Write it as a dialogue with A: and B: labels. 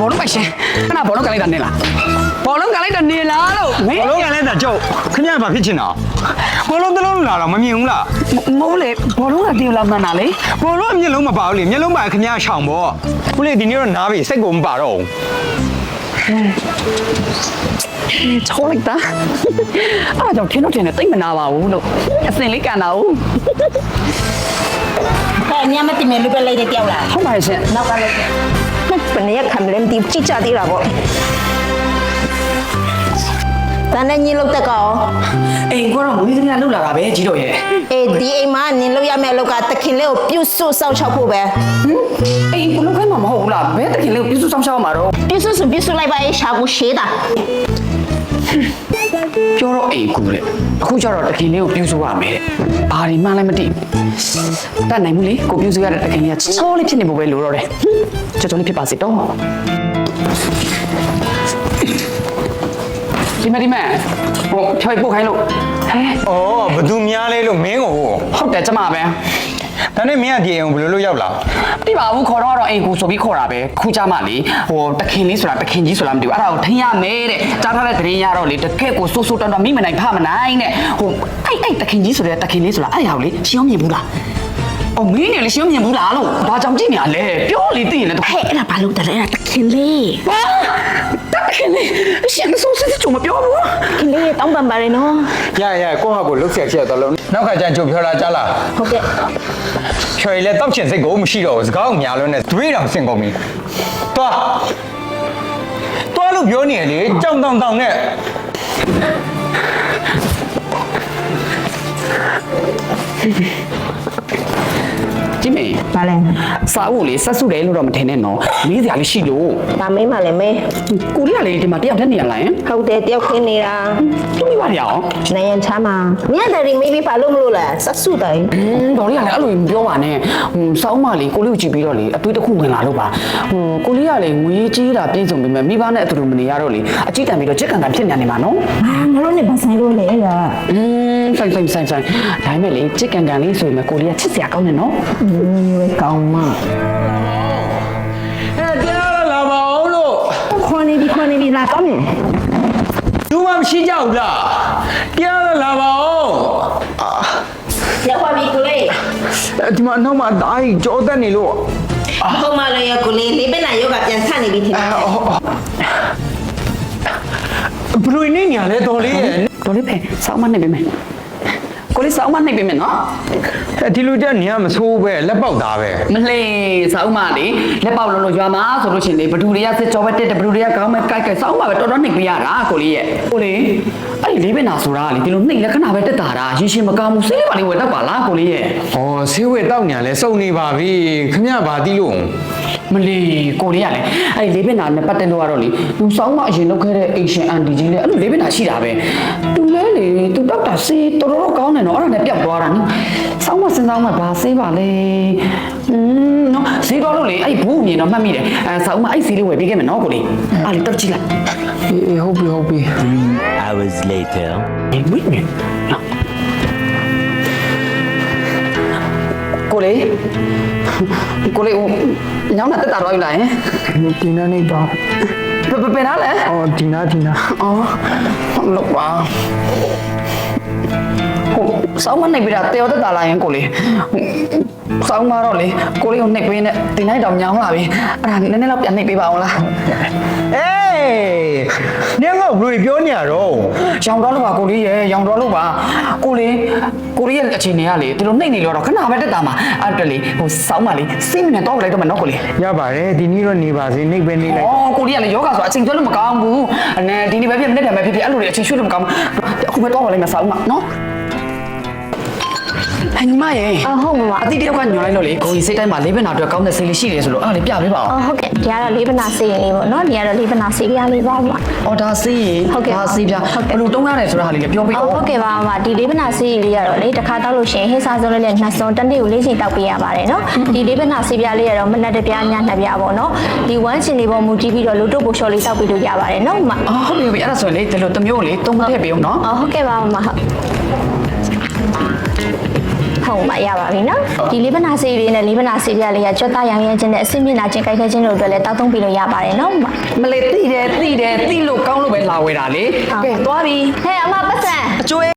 A: ဘောလုံးပိုက်ရှင်ခဏဘောလုံးကလိုက်တာနေလားဘောလုံးကလိုက်တာနေလားလို့မင်း
B: ဘောလုံးကလည်းတာကျုပ်ခင်ဗျာဘာဖြစ်ချင်တာဘောလုံးတစ်လုံးလာတော့မမြင်ဘူးလား
A: မိုးလေဘောလုံးကတီလာမှန်တာလေ
B: ဘောလုံးကမျက်လုံးမပါဘူးလေမျက်လုံးပါခင်ဗျာရှောင်ပေါ့ခုလေဒီနေ့တော့နားပြီစိတ်ကိုမပါတော့ဘူး
A: ချောလိုက်တာအားကြောင့်ထင်းတော့ထင်းနဲ့တိတ်မနာပါဘူးလို့အစင်လေးကန်တာဟုတ်
C: ညမတင်မယ်လူပဲလိုက်တဲ့တယောက်လား
A: ဟုတ်ပါရဲ့ရှင်
C: နောက်ကလိုက်ဘယ်နဲ့ခံလဲမသိကြည့်ကြသေးတာပေါ့တန်းနဲ့ညီလောက်တက်ကော
A: အိမ်ကတော့မွေးသမီးလှုပ်လာတာပဲကြီးတော့ရဲ့
C: အေးဒီအိမ်မှာနင်လောက်ရမယ့်လောက်ကတခင်လေးကိုပြုတ်ဆုစောက်ချောက်ဖို့ပဲ
A: အိမ်ဘလုံးခိုင်းမှာမဟုတ်ဘူးလားဘယ်တခင်လေးကိုပြစုဆောင်ရှောက်မှာတော့
C: ပြုတ်ဆုဆိုပြုတ်ဆုလိုက်ပါရဲ့ရှာကူရှေးတာ
A: ပြောတော့အိမ်ကူတဲ့အခုကျတော့တခင်လေးကိုပြစုရမယ်တဲ့ဘာဒီမှလည်းမသိတတ်နိုင်ဘူးလေကိုပြစုရတဲ့တခင်လေးကချောလေးဖြစ်နေဖို့ပဲလိုတော့တယ်ချောချောလေးဖြစ်ပါစေတော့ဒီမဟိုဖြောက်ပို့ခိုင်းလို့ဟဲ
B: ဩဘသူများလဲလို့မင်းကို
A: ဟုတ်တယ်ကျမပဲ
B: ဒါနဲ့မင်းကဒီအိမ်ကိုဘယ်လိုလုပ်ရောက်လာ
A: မသိပါဘူးခေါ်တော့အိမ်ကူဆိုပြီးခေါ်တာပဲခုကြမှာလေဟိုတခင်လေးဆိုတာတခင်ကြီးဆိုတာမသိဘူးအဲ့ဒါကိုထင်ရမယ်တဲ့ကြားထားတဲ့သတင်းရတော့လေတကယ့်ကိုစိုးစိုးတန်းတန်းမိမနိုင်ဖမနိုင်တဲ့ဟိုအဲ့တခင်ကြီးဆိုတဲ့တခင်လေးဆိုတာအဲ့ဟာကိုလေရှင်းအောင်မြင်ဘူးလားအော်မင်းနဲ့လေရှင်းအောင်မြင်ဘူးလားလို့ဘာကြောင့်ကြည့်နေရလဲပြောလေသိရင်လည်း
C: ဟဲ့အဲ့ဒါဘာလို့တလဲအဲ့ဒါတခင်လေး
A: ဟာတခင်လေးရှင်းစိုးစစ်ချုံမပြောဘူး
C: တခင်လေးတောင်းပန်ပါရနော်
B: ရကိုယ့်ဟာကိုလှုပ်ဆက်ချက်တော့လုံးနောက်ခါကျရင်ကျုပ်ပြောတာကြားလား
C: ဟုတ်ကဲ့
B: ချွေလဲတောက်ချင်စိတ်ကိုမရှိတော့ဘူးစကားကိုများလုံးနဲ့တွေးတောင်စင်ကုန်ပြီတွားလို့ပြောနေရလေကြောင်တောင်တောင်နဲ့
A: ကြည့်မေ
C: ဘာလဲ
A: စာအုပ်လေဆက်စုတယ်လို့တော့မထင်နဲ့နော်မေးစရာလေးရှိလို့
C: ဒါမင်းမလည်းမဲ
A: ကိုရီးယားလေဒီမှာတယောက်တည်းနေရလားယင်
C: ဟုတ်တယ်တယောက်ခင်းနေတာ
A: သူမိပါရအောင်
C: နိုင်ရန်ချမ်းမှာမြတ်တယ်မေးပြီးဘာလို့မလို့လဲစက်စုတိုင်း
A: ဒေါ်လေးကလည်းအဲ့လိုမပြောပါနဲ့စောင်းမလေးကိုလေးကိုကြည့်ပြီးတော့လေအတွေ့တစ်ခုဝင်လာလို့ပါကိုလေးကလေငွေကြီးတာပြည့်စုံပြီမဲ့မိဘနဲ့အတူတူမနေရတော့လေအကြည့်တန်ပြီးတော့ချစ်ကန်ကန်ဖြစ်နေမှာနော်
C: ငါတို့နဲ့ဘာဆိုင်လို့လဲလား
A: ဆိုင်ဒါပေမဲ့လေချစ်ကန်ကန်လေးဆိုရင်ကိုလေးကချစ်စရာကောင်းတယ်နော်
C: ကောင်းမ
B: တရားလာပါအောင်လို့
C: ခွန်နေပြီလာကောင်းနေ
B: ဘူးမှမရှိကြဘူးလားတရားလာပါအောင်
C: ရောက်ပါပြီကိုလေး
B: ဒီမှာနောက်မှာဒါကြီးကြောတက်နေလို့
C: ဟိုမှာလည်းရကိုလေးလေးပဲနာယောဂပြန်ဆက်နေပြီထင်တယ်
B: ဘလူနေညာလဲတော်လေးရဲ့
A: ဒေါ်လေးဖဲစောင်းမနေပေးမယ်ကိုလေးစောင်းမနေပေးမယ်နော်
B: ဒီလူတက်နေရမဆိုးပဲလက်ပေါက်သားပဲ
A: မလှေစောင်းမလေးလက်ပေါက်လုံးလို့ရွာမှာဆိုလို့ရှိရင်လေဘဒူတွေကစစ်ကြောပဲတက်တယ်ဘဒူတွေကကောင်းမဲ့ကြိုက်စောင်းမပဲတော်တော်နှိပ်ပြရတာကိုလေးရဲ့ကိုလေးအဲ့လေးပဲနာဆိုတာလေဒီလိုနှိပ်လက္ခဏာပဲတက်တာရင်ရှင်မကောင်းဘူးစိတ်လေးပါလေးဝယ်တော့ပါလားကိုလေးရဲ့
B: ဩဆေးဝဲတောက်ညာလဲစုံနေပါပြီခမရဘာတီးလို့
A: မလီကိုလေးကလည်းအဲ့လေးပင်နာနဲ့ပတ်သက်လို့ကတော့လေသူစောင်းမအရင်လုပ်ခဲ့တဲ့အိရှင်အန်တီကြီးလေအဲ့လိုလေးပင်နာရှိတာပဲသူလဲလေသူတောက်တာစေးတော်တော်ကောင်းတယ်နော်အဲ့ဒါနဲ့ပျောက်သွားတာနော်စောင်းမစဉ်းစားမှဘာစေးပါလဲနော်စေးတော့လို့လေအဲ့ဘူးမြင်တော့မှတ်မိတယ်အဲစောင်းမအဲ့စေးလေးဝယ်ပေးခဲ့မယ်နော်ကိုလေးအဲ့လေတောက်ကြည့်လိုက်
B: အေးဟုတ်ပြီ
D: 3 hours later.
A: ဝိမင်းကိုလေးညောင်းတာတက်တာတော့ယူလာရင်
B: ဒီနာနေတော့
A: ဘယ်နာလဲ
B: အော်ဒီနာ
A: အော်လောက်ပါဟိုစောင်းမနေပြီးတာတေော်တက်တာလာရင်ကိုလေးစောင်းမတော့လေကိုလေးကိုနှိပ်ပေးနဲ့ဒီနေ့တော့ညောင်းလာပြီအဲ့ဒါနည်းနည်းတော့ပြန်နှိပ်ပေးပါအောင်လား
B: အေးနင်ကဘလူပြောနေရတော့
A: ရောင်တော့လို့ပါကိုလေးရဲ့ရောင်တော့လို့ပါကိုလေးရဲ့အခြေအနေကလေဒီလိုနှိပ်နေလို့တော့ခဏပဲတက်တာမှာအဲ့တက်လေဟိုစောင်းမလေးစိတ်မနဲ့တော့လိုက်တော့မယ်နော်ကိုလေး
B: ရပါတယ်ဒီနေ့တော့နေပါစေနေပဲနေလိုက်
A: အော်ကိုလေးကလည်းယောဂဆိုအချိန်ကျွတ်လို့မကောင်းဘူးအနေဒီနေ့ပဲဖြစ်နေ့တယ်ပဲဖြစ်ဖြစ်အဲ့လိုလေအချိန်ရွှေ့လို့မကောင်းဘူးအခုပဲတော့လိုက်မယ်စောင်းမနော်ဟန်ညီမရဲ့
C: ဟုတ်ပါ
A: အတိတယောက်ကညွှန်လိုက်လို့လေကိုကြီးစိတ်တိုင်းမှာလေးဘက်နာအတွက်ကောင်းတဲ့စိတ်လေးရှိတယ်ဆိုလို့အဲ့ဒါလေးပြပေးပါအောင်
C: ဟုတ်ကဲ့ဒီကတော့လေးပနာစေးလေးပေါ့နော်ဒီကတော့လေးပနာစေးပြလေးပါပါ
A: အော်ဒါစေးရင်ဒါစေးပြဘယ်လိုတုံးရတယ်ဆိုတာဟာလေးလည်းပြောပေးအောင်
C: ဟုတ်ကဲ့ပါမဒီလေးပနာစေးလေးကတော့လေတစ်ခါတောက်လို့ရှိရင်ဟင်းစားစုံလေးနဲ့နှက်စုံတစ်နေ့ကို၄ချိန်တောက်ပေးရပါတယ်နော်ဒီလေးပနာစေးပြလေးကတော့မနက်တစ်ပြားညနှစ်ပြားပေါ့နော်ဒီဝမ်းချင်လေးပေါ်မူတည်ပြီးတော့လူတို့ပိုလျှော်လေးတောက်ပေးလို့ရပါတယ်နော်မ
A: အော်ဟုတ်ပြီအဲ့ဒါဆိုရင်လေဒီလိုတစ်မျိုးလေတုံးထည့်ပေးအောင်နော်
C: ဟုတ်ကဲ့ပါမဟုတ်ထုံမှရပါပြီနော်ဒီလေးပနာဆေးလေးနဲ့လေးပနာဆေးပြလေးကကြွက်သားရောင်ရမ်းခြင်းနဲ့အဆင့်မြင့်လာခြင်းကြိုက်ခဲခြင်းတို့အတွက်လည်းတောက်သုံးပြီးလို့ရပါတယ်နော်
A: မလေးသိတယ်သိလို့ကောင်းလို့ပဲလာဝဲတာလေ
C: ကဲသွားပြီဟဲ့အမပတ်စံ
B: အကျွေး